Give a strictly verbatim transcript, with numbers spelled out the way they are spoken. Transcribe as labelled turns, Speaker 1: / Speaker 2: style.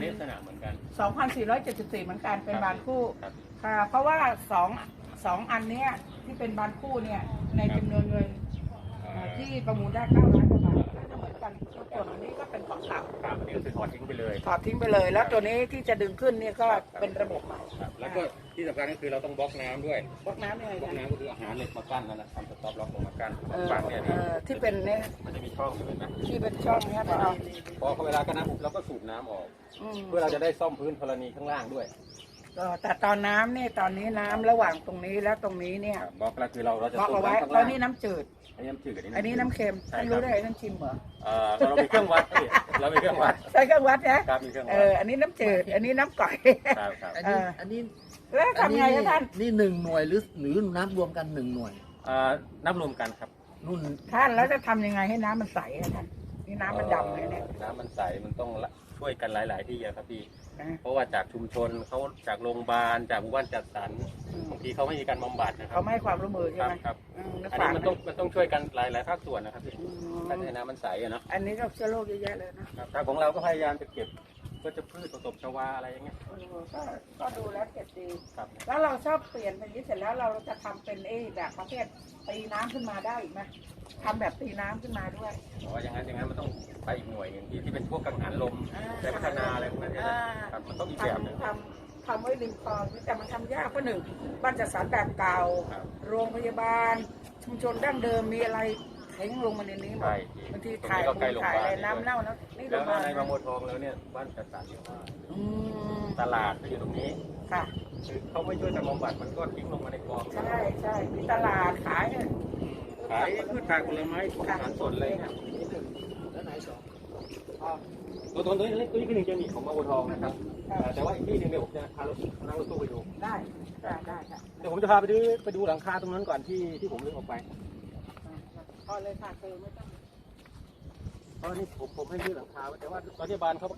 Speaker 1: ลักษณะเหมือนกัน
Speaker 2: สองพันสี่ร้อยเจ็ดสิบสี่เหมือนกันเป็นบานคู่
Speaker 1: ครับ
Speaker 2: ค่ะเพราะว่าสองสองอันเนี้ยที่เป็นบานคู่เนี่ยในจำนวนเงินเอ่อที่ประมูลได้เก้าล้านกว่าบาทก็จะเหมือนกันส่วนอันนี้ก็เป็นของเก่า
Speaker 1: ครับอันนี้ก็คือถอดทิ้งไปเลย
Speaker 2: ถอดทิ้งไปเลย แล้วตัวนี้ที่จะดึงขึ้นเนี่ยก็เป็นระบบใหม่
Speaker 1: ครับแล้วก็ที่สำคัญก็คือเราต้องบล็อกน้ำด้วย
Speaker 2: บล็อกน้ำยังไง
Speaker 1: บล็อก
Speaker 2: กัน
Speaker 1: น้ำก็คืออาหารเหล็กมากั้นนั่นนะทำสต็อปล็อกลงมากั้น
Speaker 2: เออ
Speaker 1: ฟังเนี่ย
Speaker 2: เออที่เป็นเนี่ย
Speaker 1: มันจะมีช่องเห็นไหม
Speaker 2: ที่เป็นช่องเนี้ยนะ
Speaker 1: พอเวลากั้นน้ำปุ๊บเราก็สูบน้ำออก
Speaker 2: อืม
Speaker 1: เพื่อเราจะได้ซ่อมพื้นธรณีข้างล่างด้วย
Speaker 2: ก็แต่ตอนน้ำเนี่ยตอนนี้น้ำระหว่างตรงนี้และตรงนี้เนี่ย
Speaker 1: บล็อกแล้วคือเราเราจะ
Speaker 2: บล็อก
Speaker 1: สูบ
Speaker 2: เอาไว้
Speaker 1: น้ำข้าง
Speaker 2: แล้
Speaker 1: ล่าว ง
Speaker 2: นี่น้ำจืด
Speaker 1: อันนี้น้ำจืด
Speaker 2: อันนี้น้ำเค็ม
Speaker 1: ใช่
Speaker 2: ท่าน
Speaker 1: ครั
Speaker 2: รู้
Speaker 1: บ
Speaker 2: ได้ไงท่านชิมเหรอ
Speaker 1: เอ่อเรามีเครื่องวัดพี่เรามีเครื่องวัด
Speaker 2: ใช้เครื่องวัดนะครับ
Speaker 1: มีเครื่อง
Speaker 2: เอ
Speaker 1: วัด
Speaker 2: ออันนี้น้ำจืด อันนี้น้ำก่อย
Speaker 1: ครับครับ
Speaker 3: อันนี้
Speaker 2: เอออั
Speaker 3: อันนี้
Speaker 2: แล้วทำไงครับท่าน
Speaker 3: นี่หนึ่งหน่วยหรือหรือน้ำรวมกันหนึ่งหน่วย
Speaker 1: เอ่อนับรวมกันครับ
Speaker 3: นุ่น
Speaker 2: ท่านแล้วจะทำยังไงให้น้ำมันใสอะท่านนี่น้ำมันดำเลยเนี่ย
Speaker 1: อ่อน้ำมันใสมันต้องละช่วยกันหลาย ๆ ที่อะครับพี่
Speaker 2: นะ
Speaker 1: เพราะว่าจากชุมชนเขาจากโรงพยาบาลจากหมู่บ้านจัดสรร
Speaker 2: อืม
Speaker 1: บางทีเขาไม่มีการบำบัดนะครั
Speaker 2: เขาไม่ให้ความร่วมมือ
Speaker 1: ค
Speaker 2: ใช่
Speaker 1: รับ
Speaker 2: ไหม
Speaker 1: ครับ
Speaker 2: อืมแล้ว
Speaker 1: อัน
Speaker 2: ฝา
Speaker 1: นี้
Speaker 2: ก
Speaker 1: มันต้องมันต้องช่วยกันหลายหลายภาคส่วนนะครับพี่
Speaker 2: อืม
Speaker 1: ถ้าจะให้น้ำมันใสอะเนาะ
Speaker 2: อันนี้ก็เชื้อโรคเยอะแยะเลยนะครับ
Speaker 1: ทางของเราก็พยายามจะเก็บก็จะพืชผสมชวาอะไรอย่างเงี้ย
Speaker 2: เออก็ก็ดูแล้วเก็บดี
Speaker 1: ครับ
Speaker 2: แล้วเราชอบเปลี่ยนเป็นอย่างนี้เสร็จแล้วเราจะทำเป็นเอแบบประเภทตีน้ำขึ้นมาได้อีกไหมทำแบบตีน้ำขึ้นมาด้วย
Speaker 1: เพราะว่าอย่างนั้นอย่างนั้นมันต้องไปอีกหน่วยหนึ่งที่ที่เป็นพวกกังหันลม
Speaker 2: อ่า
Speaker 1: แต่พัฒนาอะไรพวกนั้นเนี่ย
Speaker 2: อ่า
Speaker 1: ครับมันต้องอีกแบบหนึง
Speaker 2: ทำทำทำไว้ริมคลองแต่มันทำยากเพราะหนึ่งบ้านจัดสรรแบบเก่า
Speaker 1: ครับ
Speaker 2: โรงพยาบาล ชุมชนดั้งเดิมมีอะไรเทงลงมาในนี้หมด
Speaker 1: ใช่
Speaker 2: บางที
Speaker 1: ตรง
Speaker 2: ถ่าย
Speaker 1: นี้ก็ใกล้
Speaker 2: มู
Speaker 1: โร
Speaker 2: ล
Speaker 1: งพ
Speaker 2: ถ่าย
Speaker 1: ยาบา
Speaker 2: อะ
Speaker 1: ล
Speaker 2: ไรน้ำเน่านะนี่โร
Speaker 1: แล้ว
Speaker 2: งพยาบาล
Speaker 1: ในบางบัวทองแล้วเนี่ยบ้านจัดสรรเยอะมาก
Speaker 2: อืม
Speaker 1: ตลาดก็อยู่ตรงนี้
Speaker 2: ค่ะ
Speaker 1: คือเขาไม่ช่วยกันบำบัดมันก็ทิ้งลงมาในคลอง
Speaker 2: ใช่ใช่มีตลาดขายเนี่ย
Speaker 1: ขายพืชผักผลไม้ของอาหารสดอะไรเนี่ย
Speaker 3: แล้วไหนสอง
Speaker 1: ตัวตัวนี้ตัวนี้คือหนึ่งจะมีของบางบัวทองนะครับเอ่อแต่ว่าอีกที่หนึ่งเดี๋ยวผมจะพารถนั่งรถตู้ไปดู
Speaker 2: ได้ได้ได้ค่ะ
Speaker 1: เดี๋ยวผมจะพาไปดูไปดูหลังคาตรงนั้นก่อนที่ที่ผมเลือกออกไป
Speaker 2: พอเลยค่ะคือไม่ต้อง
Speaker 1: เพราะนี่ผมผมให้ซื้อหลังคาไว้แต่ว่าตอนนี้บานเขา